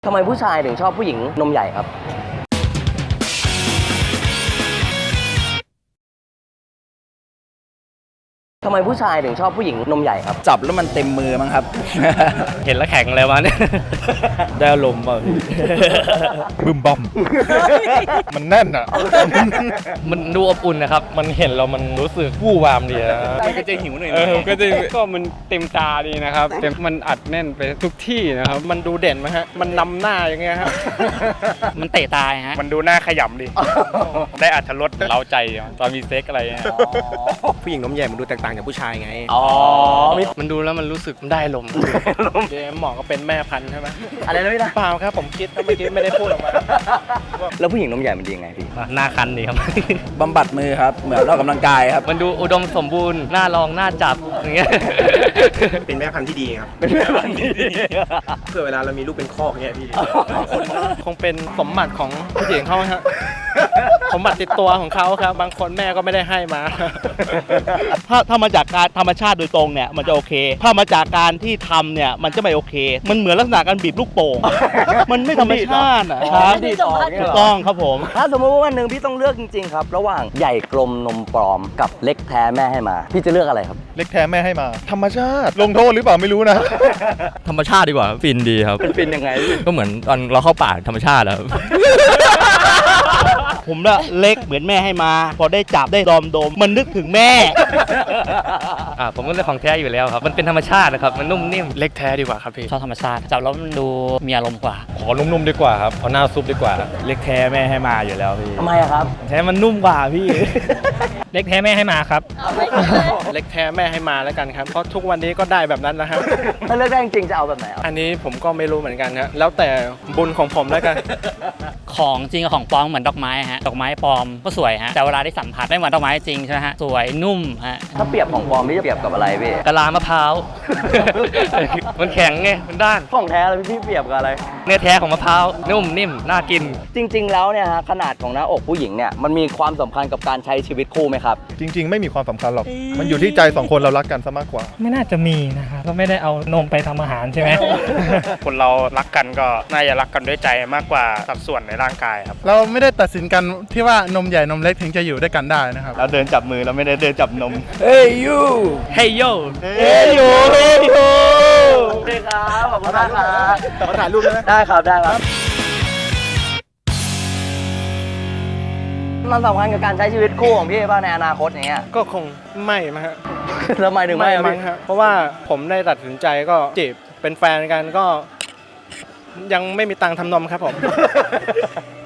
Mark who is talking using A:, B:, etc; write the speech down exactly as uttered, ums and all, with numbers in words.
A: ทำไมผู้ชายถึงชอบผู้หญิงนมใหญ่ครับทำไมผู้ชายถึงชอบผู้หญิงนมใหญ่ครับ
B: จับแล้วมันเต็มมือมั้งครับ
C: เห็นแล้วแข็งเลยวะเนี่ย ได้อารมณ์ป่ะพี่
D: บึมบอม มันแน่นอ่ะ
C: มันดูอบอุ่นนะครับ มันเห็นเรามันรู้สึกวู่วามดีนะ
B: มันก็จะหิวหน่อย
E: เออก็จะก็มันเต็มตาดีนะครับเต็มมันอัดแน่นไปทุกที่นะครับมันดูเด่นไหมฮะมันนำหน้าอย่างเงี้ยฮะ
C: มันเตะตายฮะ
E: มันดูหน้าขยำดี ได้อัธรสเร้าใจตอนมีเซ็กอะไรเงี้ย
B: ผู้หญิงนมใหญ่มันดูแตกต่างจากผู้ชายไง
A: อ๋อ
C: มันดูแล้วมันรู้สึกมันได้อารมณ์
E: เดี๋ยวหมอก็เป็นแม่พันธุ์ใช่ไหม
A: อะไรนะพี่นะ
E: เปล่าครับผมคิดเมื่อกี้ไม่ได้พูดออกมา
A: แล้วผู้หญิงนมใหญ่มันดียังไงพี่
C: หน้าคันดีครับ
B: บำบัดมือครับ เหมือนออกกำลังกายครับ
C: มันดูอุดมสมบูรณ์ หน้าลองหน้าจับอย่างเงี้ย
B: เป็นแม่พันธุ์ที่ดีครับ
A: เป็นแม่พันธุ์ที่ดี
B: เพื่อเวลาเรามีลูกเป็นคอกเงี้ยพี่
E: คงเป็นสมบัติของผู้หญิงเขาฮะสมบัติติดตัวของเขาครับบางคนแม่ก็ไม่ได้ให้มา
F: ถ้าถ้ามาจากการธรรมชาติโดยตรงเนี่ยมันจะโอเค ถ้ามาจากการที่ทำเนี่ยมันจะไม่โอเค มันเหมือนลักษณะการบีบลูกโป่ง มันไม่ธรรมชาติอะครับ
A: ดีต่อเนี่ย
F: ถู
A: เหร
F: กต้องครับผม
A: ถ้าสมมติว่าวันหนึ่งพี่ต้องเลือกจริงๆครับ ระหว่างใหญ่กลมนมปลอมกับเล็กแท้แม่ให้มา พี่จะเลือกอะไรครับ
D: เล็กแท้แม่ให้มา ธรรมชาติ ลงโทษหรือเปล่าไม่รู้นะ
G: ธรรมชาติดีกว่าฟินดีครับ
A: เป็นฟินยังไงพี่
G: ก็เหมือนตอนเราเข้าป่าธรรมชาติแล้ว
F: ผมละเล็กเหมือนแม่ให้มา พอได้จับได้ดอมดมมันนึกถึงแม่
C: อ่าผมก็เลือกของแท้อยู่แล้วครับ มันเป็นธรรมชาตินะครับ มันนุ่มนิ่ม
E: เล็กแท้ดีกว่าครับพี่
C: ชอบธรรมชาติ จับแล้วมันดูมีอารมณ์กว่า
D: ขอนุ่มๆดีกว่าครับเอาหน้าซุปดีกว่า
F: เล็กแท้แม่ให้มาอยู่แล้วพี่
A: ทำไมอะครับ
F: แท้มันนุ่มกว่าพี่
C: เล็กแท้แม่ให้มาครับ
E: เล็กแท้แม่ให้มาแล้วกันครับเพราะทุกวันนี้ก็ได้แบบนั้นนะครับ
A: ถ้าเลือกได้จริงๆจะเอาแบบไหนครับ
E: อันนี้ผมก็ไม่รู้เหมือนกันฮะแล้วแต่บุญของผมแล้วกัน
C: ของจริงกับของปลอมเหมือนดอกไม้ฮะ ดอกไม้ปลอมก็สวยฮะ แต่เวลาได้สัมผัสไม่เหมือนดอกไม้จริงใช่ไหมฮะ สวยนุ่มฮะ
A: ถ้าเปรียบของปลอมพี่จะเปรียบกับอะไรพี่
C: กะลามะพร้าว มันแข็งไง มันด้าน
A: ของแท้แล้วพี่เปรียบกับอะไร
C: เนื้อแท้ของมะพร้าว นุ่มนิ่ม น่ากิน
A: จริง ๆ แล้วเนี่ยฮะขนาดของหน้าอกผู้หญิงเนี่ยมันมีความสำคัญกับการใช้ชีวิตคู่ไหมครับ
D: จริง ๆ ไม่มีความสำคัญหรอก มันอยู่ที่ใจสองคนเรารักกันซะมากกว่า
H: ไม่น่าจะมีนะครับก็ไม่ได้เอานมไปทำอาหารใช่ไหม
E: คนเรารักกันก็น่าจะรักกันด้วยใจมากกว่าสัดส่วนในร่างกายครับ
D: เราไม่ได้ตัดสินกันที่ว่านมใหญ่นมเล็กถึงจะอยู่ด้วยกันได้นะครับ
F: เราเดินจับมือเราไม่ได้เดินจับนม
B: เฮ้ยยู
C: เฮ้ยโย
F: เอ้ยโยเอ้ยโย
A: โอเคครับขอบคุณมากครับ
D: ขอถ่ายรูปได้ไหม
A: ได้ครับได้ครับมันสำคัญกับการใช้ชีวิตคู่ของพี่ป่ะในอนาคตอย่างเงี้ย
E: ก็คงไม่มั้งฮะ
A: ทำไมถึงไม่
E: ไม่
A: อะ
E: มั้
A: พี่
E: งฮะเพราะว่าผมได้ตัดสินใจก็จีบเป็นแฟนกันก็ ยังไม่มีตังค์ทำนมครับผม